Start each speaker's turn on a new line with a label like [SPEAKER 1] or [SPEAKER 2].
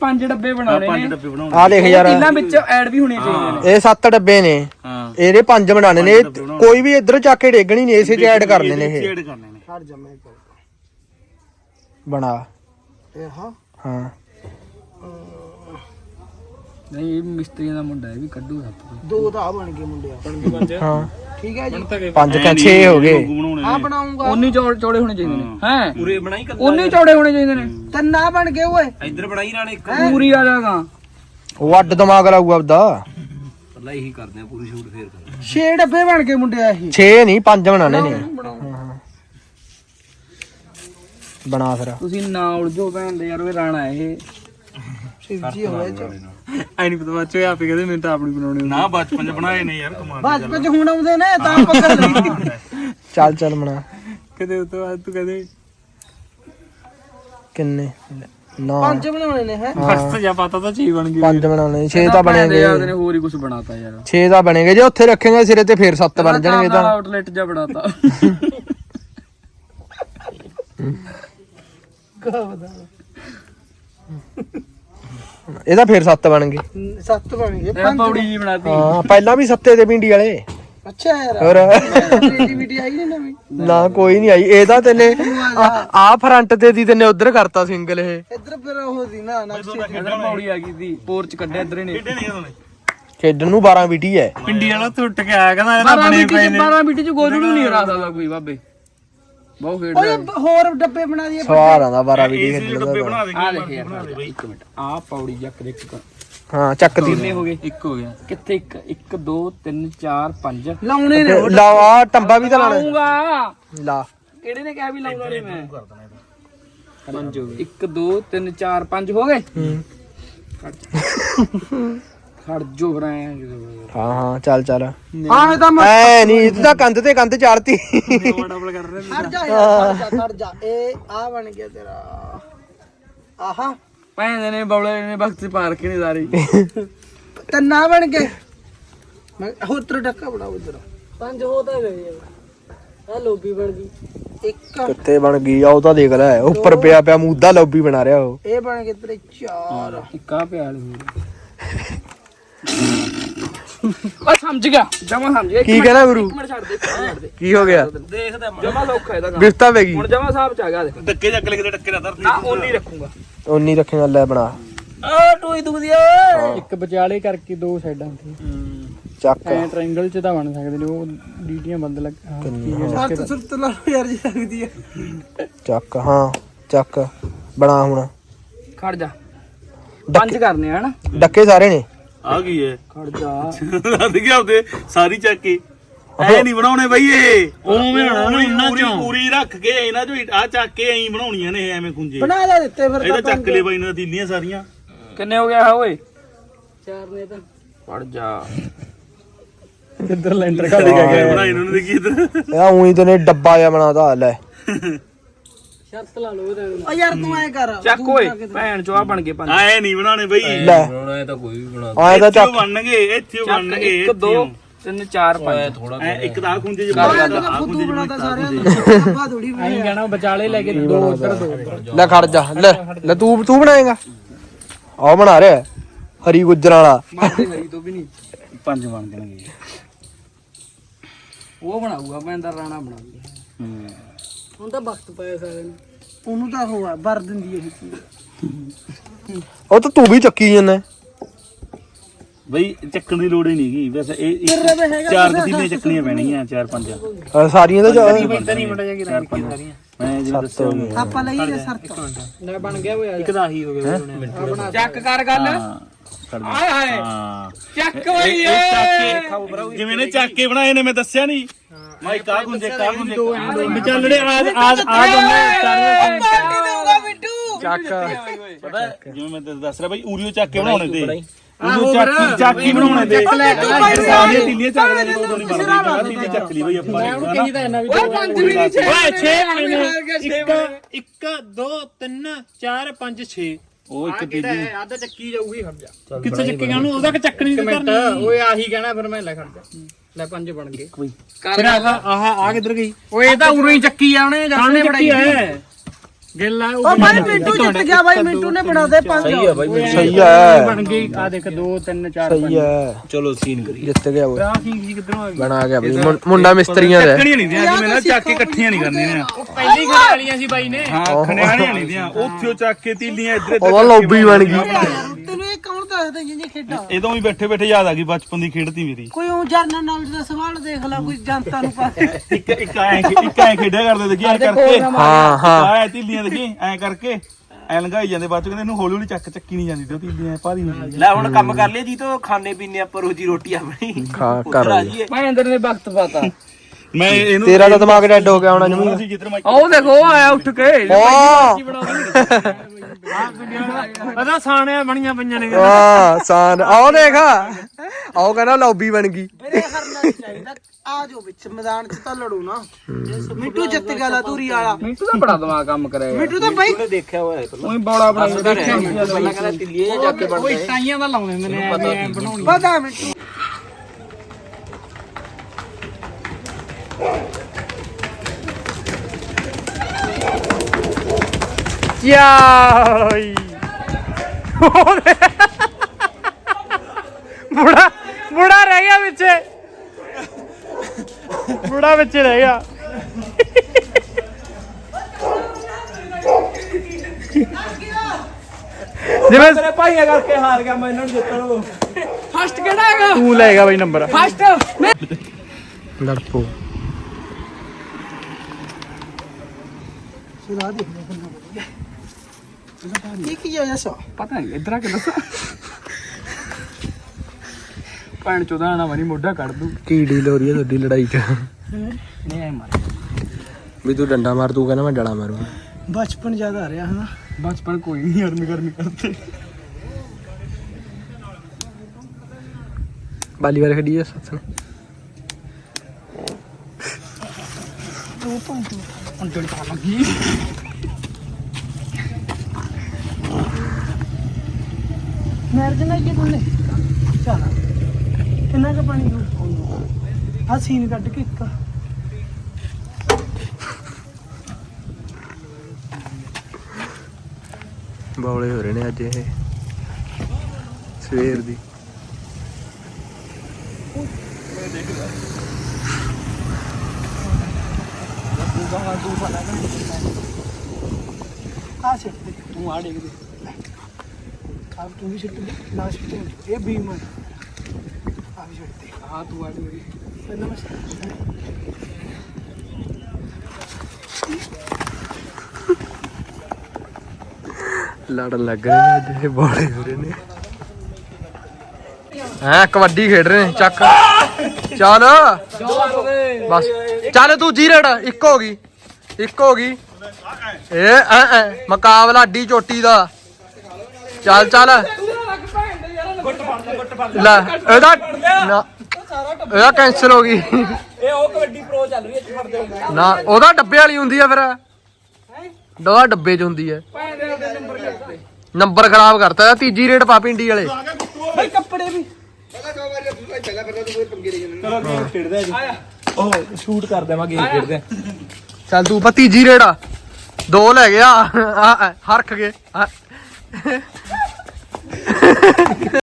[SPEAKER 1] 5 ਡੱਬੇ ਬਣਾਉਣੇ ਨੇ।
[SPEAKER 2] 5 ਡੱਬੇ ਬਣਾਉਣੇ
[SPEAKER 3] ਆ ਦੇਖ ਯਾਰ
[SPEAKER 1] ਇਹਨਾਂ ਵਿੱਚ ਐਡ ਵੀ ਹੋਣੇ ਚਾਹੀਦੇ ਨੇ।
[SPEAKER 3] ਇਹ 7 ਡੱਬੇ ਨੇ ਇਹਦੇ 5 ਬਣਾਣੇ ਨੇ। ਕੋਈ ਵੀ ਇੱਧਰ ਚੱਕ ਕੇ ਡੇਗਣੀ ਨਹੀਂ, ਇਸੇ ਚ ਐਡ ਕਰਨੇ ਨੇ ਇਹ।
[SPEAKER 2] ਐਡ ਕਰਨੇ ਨੇ।
[SPEAKER 4] ਹਟ ਜਾ ਮੈਂ
[SPEAKER 3] ਬਣਾ
[SPEAKER 4] ਇਹ
[SPEAKER 3] ਹਾਂ
[SPEAKER 1] ਨਹੀਂ ਇਹ ਮਿਸਤਰੀਆਂ ਦਾ ਮੁੰਡਾ ਹੈ ਵੀ ਕੱਢੂ ਸੱਤ।
[SPEAKER 4] 2 ਤਾਂ ਆ ਬਣ ਗਏ ਮੁੰਡਿਆ।
[SPEAKER 3] ਹਾਂ
[SPEAKER 4] ਠੀਕ ਹੈ ਜੀ
[SPEAKER 3] 5 ਕਾ 6 ਹੋ ਗਏ।
[SPEAKER 4] ਆ ਬਣਾਉਂਗਾ।
[SPEAKER 1] ਉਨੀ ਚੌੜੇ ਹੋਣੇ ਚਾਹੀਦੇ ਨੇ ਹੈ।
[SPEAKER 2] ਪੂਰੇ ਬਣਾਈ ਕਰ
[SPEAKER 1] ਉਨੀ ਚੌੜੇ ਹੋਣੇ ਚਾਹੀਦੇ ਨੇ।
[SPEAKER 4] ਤਿੰਨ ਆ ਬਣ ਗਏ ਓਏ।
[SPEAKER 2] ਇੱਧਰ ਬਣਾਈ ਨਾਲ ਇੱਕ
[SPEAKER 1] ਪੂਰੀ ਆ ਜਾਗਾ।
[SPEAKER 3] ਉਹ ਅੱਡ ਦਿਮਾਗ ਲਾਊਗਾ ਆਪਦਾ।
[SPEAKER 2] ਪੱਲਾ ਇਹੀ ਕਰਦੇ ਆ ਪੂਰੀ ਸ਼ੂਟ ਫੇਰ ਕਰਦੇ
[SPEAKER 4] 6 ਡੱਬੇ ਬਣ ਗਏ ਮੁੰਡਿਆ ਇਹ।
[SPEAKER 3] 6 ਨਹੀਂ 5 ਬਣਾਣੇ ਨੇ। ਬਣਾ ਫਿਰ
[SPEAKER 1] ਤੁਸੀਂ ਨਾ ਉਲਝੋ ਭੈਣ ਦੇ ਯਾਰ। ਉਹ ਰਾਣਾ ਇਹ
[SPEAKER 4] ਸਿੱਧੀ ਹੋਇਆ ਚ
[SPEAKER 1] ਐ ਨਹੀਂ ਪਤਾ ਬੱਚੇ ਆਪੇ ਕਹਿੰਦੇ ਮੈਨੂੰ ਤਾਂ ਆਪਣੀ ਬਣਾਉਣੀ।
[SPEAKER 2] ਨਾ ਬਚਪਨ ਚ ਬਣਾਏ ਨੇ ਯਾਰ ਕਮਾਲ
[SPEAKER 4] ਬਚਪਨ ਚ ਹੁਣ ਆਉਂਦੇ ਨੇ ਤਾਂ ਪਕੜ ਲਈ।
[SPEAKER 3] ਚੱਲ ਬਣਾ।
[SPEAKER 1] ਕਦੇ ਉਹ ਤੋਂ ਬਾਅਦ ਤੂੰ ਕਦੇ
[SPEAKER 3] ਕਿੰਨੇ ਨਾ
[SPEAKER 4] 5 ਬਣਾਉਣੇ ਨੇ ਹੈ।
[SPEAKER 1] ਫਸਟ ਜਾਂ ਪਤਾ ਤਾਂ 6 ਬਣ ਗਈ।
[SPEAKER 3] 5 ਬਣਾਉਣੇ 6 ਤਾਂ ਬਣੇਗੇ।
[SPEAKER 1] ਯਾਰ ਨੇ ਹੋਰ ਹੀ ਕੁਝ ਬਣਾਤਾ ਯਾਰ।
[SPEAKER 3] 6 ਤਾਂ ਬਣੇਗੇ ਜੇ ਉੱਥੇ ਰੱਖੇਗੇ ਸਿਰੇ ਤੇ ਫੇਰ 7 ਬਣ ਜਾਣਗੇ ਤਾਂ।
[SPEAKER 1] ਆਊਟਲੈਟ ਜਾ ਬਣਾਤਾ।
[SPEAKER 3] ਇਹਦਾ ਫੇਰ 7 ਬਣ ਗਏ।
[SPEAKER 4] 7 ਬਣ ਗਏ।
[SPEAKER 1] ਇਹ ਪੌੜੀ ਜੀ ਬਣਾਤੀ।
[SPEAKER 3] ਹਾਂ ਪਹਿਲਾਂ ਵੀ 7 ਦੇ ਪਿੰਡੀ ਵਾਲੇ।
[SPEAKER 4] ਅੱਛਾ ਯਾਰ
[SPEAKER 3] ਹੋਰ
[SPEAKER 4] ਕ੍ਰੀਏਟੀਵਿਟੀ ਆਈ ਨਹੀਂ ਨਵੀਂ।
[SPEAKER 3] ਨਾ ਕੋਈ ਨਹੀਂ ਆਈ। ਇਹਦਾ ਤੈਨੇ ਆ ਫਰੰਟ ਤੇ ਦੀ ਤੈਨੇ ਉਧਰ ਕਰਤਾ ਸਿੰਗਲ ਇਹ।
[SPEAKER 4] ਇੱਧਰ ਫਿਰ ਉਹ ਸੀ ਨਾ ਨਕਸ਼ੇ
[SPEAKER 1] ਇਧਰ ਪੌੜੀ ਆ ਗਈ ਸੀ। ਪੋਰਚ ਕੱਢਿਆ ਇਧਰ ਨੇ।
[SPEAKER 3] ਖੇਡਣ ਨੂੰ 12 ਵੀਟੀ ਹੈ।
[SPEAKER 1] ਪਿੰਡੀ ਵਾਲਾ ਟੁੱਟ ਕੇ ਆਇਆ ਕਹਿੰਦਾ ਇਹਦਾ ਬਣੇ ਪਏ ਨੇ। 12 ਮਿੰਟ ਚ ਗੋਲੂ ਨੂੰ ਨਹੀਂ ਹਰਾ ਸਕਦਾ ਕੋਈ ਬਾਬੇ। ਬਹੁਤ
[SPEAKER 4] ਓਏ
[SPEAKER 1] ਖੇਡਦਾ।
[SPEAKER 4] ਹੋਰ ਡੱਬੇ ਬਣਾ ਦਈਏ।
[SPEAKER 3] ਸਵਾਰ ਆਂਦਾ 12 ਵੀਟੀ
[SPEAKER 2] ਡੱਬੇ
[SPEAKER 3] ਖੇਡਣ
[SPEAKER 2] ਬਣਾ
[SPEAKER 3] ਦਾ।
[SPEAKER 2] ਦੇ
[SPEAKER 1] ਆ ਦੇਖ ਯਾਰ ਇੱਕ ਮਿੰਟ। ਆ ਪੌੜੀ ਜੱਕ ਦੇ ਇੱਕ
[SPEAKER 3] ਹਾਂ ਚੱਕਦੀ
[SPEAKER 1] ਕਿੰਨੇ ਹੋ ਗਏ? ਇੱਕ ਹੋ ਗਿਆ। ਕਿੱਥੇ 1 2 3 4 5
[SPEAKER 4] ਲਾਉਣੇ ਨੇ।
[SPEAKER 3] ਲਾ ਟੰਬਾ ਵੀ ਤਾਂ ਲਾਣਾ
[SPEAKER 1] ਲਾਉਂਗਾ।
[SPEAKER 3] ਲਾ।
[SPEAKER 1] ਕਿਹੜੇ ਨੇ ਕਿਹਾ ਵੀ ਲਾਉਣਾ ਨਹੀਂ ਮੈਂ। 5 ਹੋ ਗਏ। 1 2 3 4 5 ਹੋ ਗਏ। ਖੜ ਜੋ ਬਣਾਇਆ।
[SPEAKER 3] ਹਾਂ ਚੱਲ
[SPEAKER 4] ਆਹ ਤਾਂ
[SPEAKER 3] ਐ ਨਹੀਂ ਤੂੰ ਤਾਂ ਕੰਧ ਤੇ ਕੰਧ ਚਾੜਤੀ।
[SPEAKER 1] ਡਬਲ ਕਰ ਰਹੇ
[SPEAKER 4] ਖੜ ਜਾ ਯਾਰ ਖੜ ਜਾ। ਇਹ ਆ ਬਣ ਗਿਆ ਤੇਰਾ। ਆਹਾ
[SPEAKER 1] ਪੈਂਦੇ ਨੇ ਬੌਲੇ ਨੇ ਵਕਤ ਪਾਰਕ ਨਹੀਂ ਸਾਰੀ।
[SPEAKER 4] ਤਿੰਨ ਆ ਬਣ ਗਏ। ਮੈਂ ਹੋਰ ਤੇਰਾ ਡੱਕਾ ਬਣਾਓ ਇਧਰ। 5 ਹੋ ਤਾਂ ਗਏ ਆ। ਲੋਬੀ ਬਣ ਗਈ। ਇੱਕ
[SPEAKER 3] ਕਿੱਥੇ ਬਣ ਗਈ ਆ? ਉਹ ਤਾਂ ਦੇਖ ਲੈ ਉੱਪਰ ਪਿਆ ਮੂਦਾ ਲੌਬੀ ਬਣਾ ਰਿਹਾ ਉਹ।
[SPEAKER 4] ਇਹ ਬਣ ਗਏ ਤੇਰੇ 4।
[SPEAKER 1] ਇੱਕਾ ਪਿਆਲ ਹੋਰ। ਬਸ ਸਮਝ ਗਿਆ। ਜਮਾ ਸਮਝ ਗਿਆ।
[SPEAKER 3] ਕੀ ਕਹਿਣਾ ਗੁਰੂ?
[SPEAKER 1] ਇੱਕ ਮਿੰਟ ਛੱਡ ਦੇ। ਛੱਡ ਦੇ।
[SPEAKER 3] ਕੀ ਹੋ ਗਿਆ?
[SPEAKER 1] ਦੇਖਦਾ ਜਮਾ ਸੌਖਾ ਇਹਦਾ ਕੰਮ।
[SPEAKER 3] ਬਿਫਤਾ ਪੈ ਗਈ।
[SPEAKER 1] ਹੁਣ ਜਮਾ ਸਾਹਿਬ ਚ ਆ ਗਿਆ ਦੇਖ।
[SPEAKER 2] ਟੱਕੇ ਚੱਕ ਲੈ ਕੇ ਟੱਕੇ ਨਾ ਧਰਤੀ
[SPEAKER 1] ਆ ਓਨੀ ਰੱਖੂਗਾ।
[SPEAKER 3] ਉਨੀ ਰੱਖੇਗਾ ਲੈ ਬਣਾ।
[SPEAKER 1] ਆ ਟੋਈ ਦੁਖਦੀ ਓਏ। ਇੱਕ ਵਿਚਾਲੇ ਕਰਕੇ 2 ਸਾਈਡਾਂ ਤੇ
[SPEAKER 3] ਚੱਕ
[SPEAKER 1] ਐ ਟ੍ਰਾਇੰਗਲ ਚ ਤਾਂ ਬਣ ਸਕਦੇ ਨੇ। ਉਹ ਡੀਟੀਆਂ ਬੰਦ ਲੱਗ।
[SPEAKER 4] ਸੱਤ ਸੁਰਤ ਲਾ ਯਾਰ ਜੀ ਲੱਗਦੀ ਹੈ।
[SPEAKER 3] ਚੱਕ ਹਾਂ ਚੱਕ ਬਣਾ ਹੁਣ।
[SPEAKER 1] ਖੜ ਜਾ। 5 ਕਰਨੇ ਆ ਹਨਾ।
[SPEAKER 3] ਡੱਕੇ ਸਾਰੇ ਨੇ।
[SPEAKER 2] ਆ ਗਈ ਏ
[SPEAKER 1] ਖੜ ਜਾ।
[SPEAKER 2] ਲੱਗ ਗਿਆ ਉਹਦੇ ਸਾਰੀ ਚੱਕ ਕੇ। ਐ ਨਹੀਂ ਬਣਾਉਣੇ ਬਈ ਇਹ ਉਵੇਂ ਬਣਾਉਣਾ ਪੂਰੀ ਰੱਖ ਕੇ ਇਹਨਾਂ ਚੋਂ ਆ ਚੱਕ ਕੇ ਐਂ ਬਣਾਉਣੀਆਂ ਨੇ ਐਵੇਂ ਖੁੰਝੇ।
[SPEAKER 4] ਬਣਾ ਲੈ ਦਿੱਤੇ ਫਿਰ
[SPEAKER 2] ਇਹਦਾ ਚੱਕ ਲੈ ਬਾਈ ਇਹਨਾਂ ਤੀਲੀਆਂ ਸਾਰੀਆਂ।
[SPEAKER 1] ਕਿੰਨੇ ਹੋ ਗਿਆ ਓਏ?
[SPEAKER 4] 4 ਨੇ ਤਾਂ।
[SPEAKER 1] ਖੜ ਜਾ। ਕਿੱਧਰ ਲੈਂਟਰ ਕੱਢ
[SPEAKER 2] ਬਣਾਈ ਇਹਨਾਂ ਨੇ ਦੇਖੀ ਇਧਰ।
[SPEAKER 3] ਇਹ ਉਹੀ ਤੇ ਨੇ ਡੱਬਾ ਜਿਹਾ ਬਣਾਤਾ ਲੈ।
[SPEAKER 4] ਸ਼ਰਤ ਲਾ ਲਓ ਇਹਦੇ। ਓ ਯਾਰ ਤੂੰ ਐ ਕਰ।
[SPEAKER 1] ਚੱਕ ਓਏ ਭੈਣ ਚੋ ਆ ਬਣ ਗਏ 5।
[SPEAKER 2] ਐ ਨਹੀਂ ਬਣਾਉਣੇ ਬਈ।
[SPEAKER 3] ਲੈ
[SPEAKER 2] ਬਣਾਉਣਾ ਤਾਂ ਕੋਈ ਵੀ ਬਣਾ
[SPEAKER 3] ਆਏ ਤਾਂ
[SPEAKER 2] ਇੱਥੇ
[SPEAKER 3] ਚੱਕ
[SPEAKER 2] ਬਣਨਗੇ ਇੱਥੇ ਬਣਨਗੇ।
[SPEAKER 1] 1 2 3 4 5
[SPEAKER 2] ਐ ਇੱਕ ਤਾਂ ਆ ਖੁੰਝੇ ਚ
[SPEAKER 4] ਫੁੱਦੂ ਬਣਾਤਾ ਸਾਰਿਆਂ ਦਾ। ਡੱਬਾ ਥੋੜੀ
[SPEAKER 1] ਐਂ ਕਹਿਣਾ ਵਿਚਾਲੇ ਲੈ ਕੇ 2 ਉੱਧਰ 2
[SPEAKER 3] ਲੈ ਖੜ ਜਾ ਲੈ ਤੂੰ ਬਣਾਏਗਾ। ਆਹ ਬਣਾ ਰਿਹਾ ਹਰੀ ਗੁੱਜਰ ਵਾਲਾ।
[SPEAKER 1] ਮਾਰਦੇ ਗਈ ਤੋਂ ਵੀ ਨਹੀਂ।
[SPEAKER 2] 5 ਬਣ ਜਾਣਗੇ।
[SPEAKER 1] ਉਹ ਬਣਾਊਗਾ ਮੈਂ ਤਾਂ ਰਾਣਾ ਬਣਾਊਗਾ।
[SPEAKER 4] ਹੁਣ ਤਾਂ ਵਕਤ ਪਾਇਆ ਸਾਰਿਆਂ ਨੇ। ਉਹਨੂੰ ਤਾਂ ਹੋਆ ਵਰ ਦਿੰਦੀ ਇਹ ਚੀਜ਼।
[SPEAKER 3] ਉਹ ਤਾਂ ਤੂੰ ਵੀ ਚੱਕੀ ਜਾਂਦਾ।
[SPEAKER 2] ਬਈ ਚੱਕਣ ਦੀ ਲੋੜ ਹੀ ਨਹੀਂ ਗਈ ਵੈਸੇ ਇਹ 4 ਕਸੀਆਂ ਚੱਕਣੀਆਂ ਪੈਣਗੀਆਂ 4 5
[SPEAKER 3] ਸਾਰੀਆਂ ਤਾਂ
[SPEAKER 1] ਇਦਾਂ ਨਹੀਂ ਮਟਾ ਜਾ ਕੇ ਰੱਖ ਕੇ ਸਾਰੀਆਂ।
[SPEAKER 2] ਮੈਂ ਜਿਵੇਂ ਦੱਸਿਆ ਉਹਨੂੰ।
[SPEAKER 4] ਆਪਾਂ ਲਈ ਜੇ ਸ਼ਰਤ।
[SPEAKER 1] ਲੈ ਬਣ ਗਿਆ ਓਏ। ਇੱਕ ਦਾ ਹੀ ਹੋ ਗਿਆ। ਚੱਕ ਕਰ ਗੱਲ। ਆਏ ਹਾਏ ਚੱਕ ਓਏ।
[SPEAKER 2] ਜਿਵੇਂ ਨੇ ਚੱਕ ਕੇ ਬਣਾਏ ਨੇ ਮੈਂ ਦੱਸਿਆ ਨਹੀਂ। ਮੈਂ ਕਾ ਗੁੰਜੇ ਵਿਚਾਲੜੇ ਆ
[SPEAKER 3] ਚੱਕ
[SPEAKER 2] ਪਤਾ ਜਿਵੇਂ ਮੈਂ ਦੱਸ ਰਿਹਾ ਬਈ ਊਰੀਓ ਚੱਕ ਕੇ ਬਣਾਉਣੇ ਤੇ। ਊਰੀਓ ਚੱਕ ਹੀ ਬਣਾਉਣੇ ਤੇ। ਸਾਰੀਆਂ ਤਿੱਲੀਆਂ ਚੱਕ ਦੇ ਦੋ ਨਹੀਂ ਬਣਦੀ। ਤਿੱਲੀ ਚੱਕ ਲਈ ਬਈ ਆਪਾਂ ਨੇ।
[SPEAKER 1] ਉਹਨੂੰ ਕਹੀ ਤਾਂ ਇਹਨਾਂ ਵੀ ਓਏ 5 ਵੀ ਨਹੀਂ 6 ਆਏ ਨੇ। 1 2 3 4 5 6
[SPEAKER 2] ਉਹ ਇੱਕ ਤਿੱਲੀ
[SPEAKER 1] ਆਧਾ ਚੱਕੀ ਜਾਊਗੀ। ਖੜ ਜਾ। ਕਿੱਥੇ ਚੱਕੇਗਾ ਉਹਨੂੰ? ਉਹਦਾ ਕਿ ਚੱਕਣੀ ਤੇ ਕਰਨੀ। ਓਏ ਆਹੀ ਕਹਿਣਾ ਫਿਰ ਮੈਂ ਲੈ ਖੜ ਜਾ। ਲੈ 5 ਬਣ ਗਏ। ਫਿਰ ਆਹ ਕਿੱਧਰ ਗਈ? ਓਏ ਇਹ ਤਾਂ ਉਰੋਂ ਹੀ ਚੱਕੀ ਆ ਉਹਨੇ। ਜਾਣੇ ਚੱਕੀ ਹੈ। ਗਿੱਲ ਆ
[SPEAKER 4] ਉਹ ਭਾਈ ਮਿੰਟੂ ਜਿੱਤ ਗਿਆ ਭਾਈ ਮਿੰਟੂ ਨੇ ਬਣਾ ਦੇ 5
[SPEAKER 3] ਸਹੀ ਹੈ
[SPEAKER 1] ਬਣ ਗਈ ਆ ਦੇਖ 2 3 4
[SPEAKER 3] ਸਹੀ ਹੈ
[SPEAKER 2] ਚਲੋ ਸੀਨ ਕਰੀ
[SPEAKER 3] ਜਿੱਤ ਗਿਆ ਉਹ
[SPEAKER 1] ਆ ਕੀ ਕਿੱਧਰੋਂ ਆ ਗਈ
[SPEAKER 3] ਬਣਾ ਗਿਆ ਬਈ ਮੁੰਡਾ ਮਿਸਤਰੀਆਂ ਦਾ
[SPEAKER 2] ਚੱਕਣੀਆਂ ਨਹੀਂ ਦੀਆਂ ਜਿਵੇਂ ਨਾ ਚੱਕ ਕੇ ਇਕੱਠੀਆਂ ਨਹੀਂ ਕਰਨੀਆਂ ਨੇ
[SPEAKER 1] ਉਹ ਪਹਿਲੀ ਘਰ ਵਾਲੀਆਂ ਸੀ ਬਾਈ ਨੇ
[SPEAKER 2] ਹਾਂ ਖਣਿਆਣੀਆਂ ਨਹੀਂ ਦੀਆਂ ਉੱਥੇ ਚੱਕ ਕੇ ਤੀਲੀਆਂ ਇੱਧਰ
[SPEAKER 3] ਉਹ ਲੌਬੀ ਬਣ ਗਈ
[SPEAKER 4] ਤੈਨੂੰ ਇਹ ਕੌਣ ਦੱਸਦਾ ਜੀ ਖੇਡਾਂ
[SPEAKER 2] ਇਦੋਂ ਵੀ ਬੈਠੇ ਬੈਠੇ ਯਾਦ ਆ ਗਈ ਬਚਪਨ ਦੀ ਖੇਡ ਤੀ ਮੇਰੀ
[SPEAKER 4] ਕੋਈ ਉਹ ਜਰਨਲ ਨੌਲੇਜ ਦਾ ਸਵਾਲ ਦੇਖ ਲੈ ਕੋਈ ਜਨਤਾ ਨੂੰ ਪਤਾ
[SPEAKER 2] ਇੱਕ ਐ ਖੇਡਿਆ ਕਰਦੇ ਦੇਖੀ ਐ ਕਰਕੇ
[SPEAKER 3] ਹਾਂ ਹਾਂ
[SPEAKER 2] ਆਏ ਤੀਲੀਆਂ ਦੇਖੀ ਐ ਕਰਕੇ ਐ ਲੰਘਾਈ ਜਾਂਦੇ ਬਾਅਦ ਚ ਕਹਿੰਦੇ ਇਹਨੂੰ ਹੌਲੀ ਹੌਲੀ ਚੱਕੀ ਨਹੀਂ ਜਾਂਦੀ ਤੇ ਉਹ ਤੀਲੀਆਂ ਭਾਰੀ ਹੋ ਜਾਂਦੀ
[SPEAKER 5] ਲੈ ਹੁਣ ਕੰਮ ਕਰ ਲਿਆ ਜੀ ਤੋਂ ਖਾਣੇ ਪੀਣੇ ਆਪਾਂ ਰੋਜੀ ਰੋਟੀ ਆਪਣੀ
[SPEAKER 3] ਖਾ ਕਰ
[SPEAKER 1] ਮੈਂ ਅੰਦਰ ਨੇ ਵਕਤ ਪਤਾ
[SPEAKER 2] ਮੈਂ ਇਹਨੂੰ
[SPEAKER 3] ਤੇਰਾ ਤਾਂ ਦਿਮਾਗ ਡੈਡ ਹੋ ਗਿਆ ਹੋਣਾ ਜਮੀ
[SPEAKER 2] ਸੀ ਜਿੱਧਰ ਮੈਂ
[SPEAKER 1] ਉਹ ਦੇਖੋ ਆਇਆ ਉੱਠ ਕੇ
[SPEAKER 3] ਹਾਂ
[SPEAKER 1] ਪਤਾ ਸਾਣਿਆ ਬਣੀਆਂ ਪਈਆਂ ਨੇ
[SPEAKER 3] ਹਾਂ ਸਾਨ ਆਓ ਦੇਖ ਆਓ ਕਹਿੰਦਾ ਲੌਬੀ ਬਣ ਗਈ
[SPEAKER 4] ਮੇਰੇ ਕਰਨਾ ਨੀ ਚਾਹੀਦਾ ਆ ਜੋ ਵਿੱਚ ਮੈਦਾਨ 'ਚ ਤਾਂ ਲੜੋ ਨਾ ਮਿੰਟੂ ਜਿੱਤ ਗਿਆ ਲਾ ਧੂਰੀ ਵਾਲਾ
[SPEAKER 1] ਮਿੰਟੂ ਦਾ ਬੜਾ ਦਿਮਾਗ ਕੰਮ ਕਰਿਆ
[SPEAKER 4] ਮਿੰਟੂ ਤਾਂ ਬਾਈ
[SPEAKER 5] ਦੇਖਿਆ ਹੋਇਆ
[SPEAKER 1] ਉਹੀ ਬੌਲਾ ਬਣਾ ਦੇਖਿਆ
[SPEAKER 5] ਪਹਿਲਾਂ ਕਹਿੰਦਾ ਤਿੱਲੀਏ ਜਾਂ ਚੱਕ ਕੇ
[SPEAKER 1] ਉਹ ਇਟਾਈਆਂ ਦਾ ਲਾਉਂਦੇ ਹੁੰਦੇ ਨੇ ਐਵੇਂ ਬਣਾਉਣੀ
[SPEAKER 4] ਪਤਾ ਮਿੰਟੂ
[SPEAKER 1] ਯਾਈ ਬੁੜਾ ਰਹਿ ਗਿਆ ਵਿੱਚੇ ਬੁੜਾ ਵਿੱਚੇ ਰਹਿ ਗਿਆ ਜਿਵੇਂ ਤੇਰੇ ਭਾਈਆਂ ਕਰਕੇ ਹਾਰ ਗਿਆ ਮੈਂ ਇਹਨਾਂ ਨੂੰ ਜਿੱਤਣ ਨੂੰ ਫਸਟ ਕਿਹੜਾ ਹੈਗਾ ਤੂੰ ਲਏਗਾ ਬਈ ਨੰਬਰ ਫਸਟ
[SPEAKER 3] ਲੜਪੋ
[SPEAKER 4] ਸੁਣਾ ਦੇ ਕੀ ਹੋਇਆ ਸੋ
[SPEAKER 1] ਪਤਾ ਨਹੀਂ ਇਧਰ ਆ ਕੇ ਦੱਸ ਭੈਣ ਚੋਦਾ ਨਾ ਮਨੀ ਮੋਢਾ ਕੱਢ ਦੂ
[SPEAKER 3] ਕੀ ਡੀਲ ਹੋ ਰਹੀ ਹੈ ਤੁਹਾਡੀ ਲੜਾਈ 'ਚ
[SPEAKER 1] ਨਹੀਂ ਐ ਮਾਰ
[SPEAKER 3] ਵੀ ਤੂੰ ਡੰਡਾ ਮਾਰ ਤੂੰ ਕਹਿੰਦਾ ਮੈਂ ਡਲਾ ਮਾਰੂੰਗਾ
[SPEAKER 4] ਬਚਪਨ ਯਾਦ ਆ ਰਿਹਾ ਹਨਾ
[SPEAKER 1] ਬਚਪਨ ਕੋਈ ਨਹੀਂ ਗਰਮੀ ਕਰਦੇ
[SPEAKER 3] ਬਾਲੀ ਵਾਰ ਖੜੀ ਹੈ ਸੱਤ ਨੇ
[SPEAKER 1] ਅੰਦਰ ਪਾ ਲੱਗੀ
[SPEAKER 4] ਨਹਿਰ ਦੇ ਨਾਲ ਕੀ ਤੁਮਨੇ ਚਲ ਕਿੰਨਾ ਕੁ ਪਾਣੀ ਆ ਸੀਨ ਕੱਢ ਕੇ ਇੱਕ
[SPEAKER 3] ਬੌਲੇ ਹੋ ਰਹੇ ਨੇ ਅੱਜ ਇਹ ਸਵੇਰ ਦੀ
[SPEAKER 4] ਆ ਸਿੱਟ ਦੇ ਤੂੰ ਆ ਡੇਗ ਦੇ ਆਪ ਤੂੰ ਵੀ ਸਿੱਟ ਦੇ ਨਾ ਸਿੱਟ ਦੇ ਇਹ ਬੀਮ ਆ ਵੀ ਸਿੱਟ ਦੇ
[SPEAKER 1] ਹਾਂ ਤੂੰ ਆ ਡੇਗ
[SPEAKER 4] ਪਹਿਲਾਂ ਮੈਂ
[SPEAKER 3] ਲੜਨ ਲੱਗ ਰਹੇ ਨੇ ਅੱਜ ਇਹ ਬੌਲੇ ਹੋ ਰਹੇ ਨੇ ਹਾਂ ਕਬੱਡੀ ਖੇਡ ਰਹੇ ਨੇ ਚੱਕ ਚੱਲ ਬਸ ਚੱਲ ਤੂੰ ਜੀਰੜ ਇੱਕ ਹੋ ਗਈ ਇਹ ਮੁਕਾਬਲਾ ਅੱਡੀ ਚੋਟੀ ਦਾ ਚੱਲ ਲੈ ਇਹਦਾ ਕੈਂਸਲ ਹੋ ਗਈ
[SPEAKER 5] ਇਹ ਉਹ ਕਬੱਡੀ ਪ੍ਰੋ ਚੱਲ ਰਹੀ ਹੈ ਛੱਡ ਦੇ
[SPEAKER 3] ਨਾ ਉਹਦਾ ਡੱਬੇ ਵਾਲੀ ਹੁੰਦੀ ਆ ਫਿਰ ਉਹਦਾ ਡੱਬੇ 'ਚ ਹੁੰਦੀ ਹੈ ਨੰਬਰ ਖਰਾਬ ਕਰਤਾ ਤੀਜੀ ਰੇਟ ਪਾ ਪਿੰਡੀ ਵਾਲੇ
[SPEAKER 4] ਬਈ ਕੱਪੜੇ ਵੀ
[SPEAKER 5] ਉਹ ਸ਼ੂਟ ਕਰ ਦੇਵਾਂ ਗੇਮ ਖੇਡਦੇ
[SPEAKER 3] ਚੱਲ ਤੂੰ ਪਾ ਤੀਜੀ ਰੇਟ ਆ 2 ਲੈ ਗਿਆ ਹਰਖ ਗਏ